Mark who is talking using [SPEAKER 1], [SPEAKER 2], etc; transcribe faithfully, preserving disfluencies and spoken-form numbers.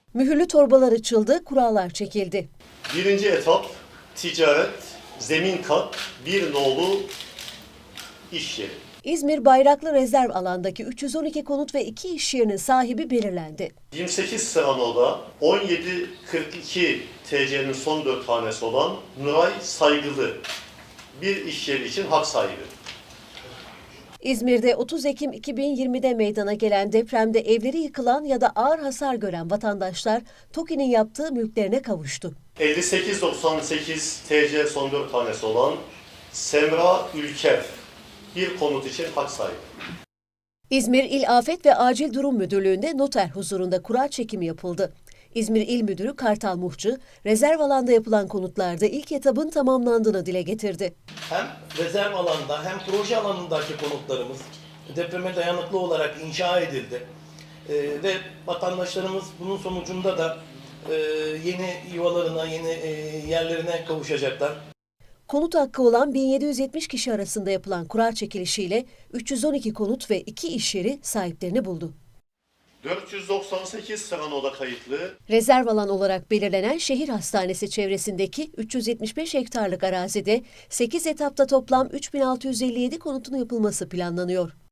[SPEAKER 1] Mühürlü torbalar açıldı, kurallar çekildi.
[SPEAKER 2] Birinci etap ticaret, zemin kat, bir nolu iş yeri.
[SPEAKER 1] İzmir Bayraklı Rezerv alandaki üç yüz on iki konut ve iki iş yerinin sahibi belirlendi.
[SPEAKER 2] yirmi sekiz Serano'da on yedi kırk iki T C'nin son dört tanesi olan Nuray Saygılı bir iş yeri için hak sahibi.
[SPEAKER 1] İzmir'de otuz Ekim iki bin yirmide meydana gelen depremde evleri yıkılan ya da ağır hasar gören vatandaşlar TOKİ'nin yaptığı mülklerine kavuştu.
[SPEAKER 2] elli sekiz doksan sekiz T C son dört tanesi olan Semra Ülker bir konut için hak sahibi.
[SPEAKER 1] İzmir İl Afet ve Acil Durum Müdürlüğü'nde noter huzurunda kura çekimi yapıldı. İzmir İl Müdürü Kartal Muhçı, rezerv alanda yapılan konutlarda ilk etabın tamamlandığını dile getirdi.
[SPEAKER 3] Hem rezerv alanda hem proje alanındaki konutlarımız depreme dayanıklı olarak inşa edildi. Ee, ve vatandaşlarımız bunun sonucunda da e, yeni yuvalarına, yeni e, yerlerine kavuşacaklar.
[SPEAKER 1] Konut hakkı olan bin yedi yüz yetmiş kişi arasında yapılan kura çekilişiyle üç yüz on iki konut ve iki iş yeri sahiplerini buldu.
[SPEAKER 2] dört yüz doksan sekiz Serano'da kayıtlı
[SPEAKER 1] Rezerv alan olarak belirlenen şehir hastanesi çevresindeki üç yüz yetmiş beş hektarlık arazide sekiz etapta toplam üç bin altı yüz elli yedi konutun yapılması planlanıyor.